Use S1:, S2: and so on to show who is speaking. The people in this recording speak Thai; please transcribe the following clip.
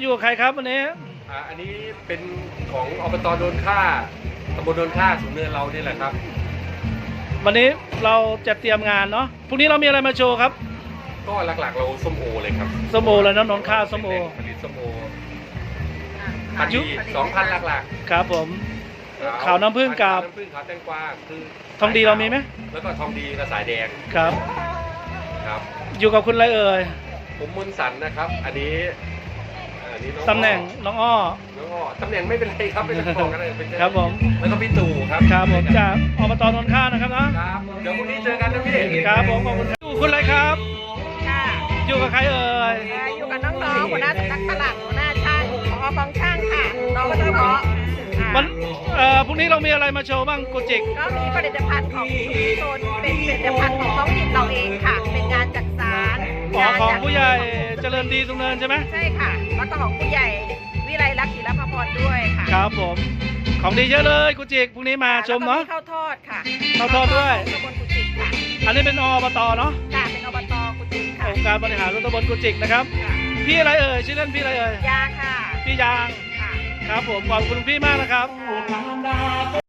S1: อยู่กับใครครับวันนี้
S2: อันนี้เป็นของอบตโดนค่าตำบลโดนค่าสูงเนินเรานี่แหละครับ
S1: วันนี้เราจะเตรียมงานเนาะพรุ่งนี้เรามีอะไรมาโชว์ครับ
S2: ก็หลักๆเราส้มโอเลยครับ
S1: ส้มโอเลยนะนนท์ข้าวส้มโอ
S2: ผลิตส้มโอพันธุ์2,000หลักๆ
S1: ครับผมขาวน้ำผึ้งกับ
S2: น้ำผึ้งขาวแตงกวาคือ
S1: ทองดีเรามีไหม
S2: แล้วก็ทองดีกระสายแดง
S1: ครับอยู่กับคุณอะไรเอ่ย
S2: ผมมนสันนะครับอันนี้
S1: ตำแหน่งน้องอ้อ
S2: ตำแหน่งไม่เป็นไรครับไม่ต้องบอกกันเลย
S1: ครับผม
S2: แล้วก็พี่ตู่ครับ
S1: ครับผมจากอบตนนท์ข้านะครับ
S2: นะครับเดี๋ยวพรุ่งนี้เจอกันนะพี่
S1: ครับผมขอบคุณคุณอะไรครับ
S3: ค่ะ
S1: อยู่กับใครเอ่ย
S3: อยู่กับน้องๆหัวหน้าสำนักตลาดหัวหน้าช่างของกองช่างค่ะน้องก็เฉพาะ
S1: วันพรุ่งนี้เรามีอะไรมาโชว์บ้างกุจิก
S3: ก็มีผลิตภัณฑ์ของชุมชนเป็นผลิตภัณฑ์ของท้องถิ่นเราเองค่ะเป็นงานจักสาน
S1: ของผู้ใหญ่เจริญดีสุงเนินใช่ไหม
S3: ใช่ค่ะแล้วก็ของผู้ใหญ่วิไลลักษณ์ศิลปภพรด้วยค่ะ
S1: ครับผมของดีเยอะเลยกุจิกพรุ่งนี้มาชมเนาะ
S3: ข้าวทอดค่ะ
S1: ข้าวทอดด้วย
S3: ตำบลกุจิกค่ะ
S1: อันนี้เป็นอบตเนาะ
S3: ค่ะเป็นอบตกุจิกค่ะ
S1: องค์การบริหารส่วนตำบลกุจิกนะครับพี่อะไรเอ่ยชื่อเล่นพี่อะไรเอ่ย
S3: ยางค่ะ
S1: พี่ยาง
S3: ค่ะ
S1: ครับผมขอบคุณพี่มากนะครับ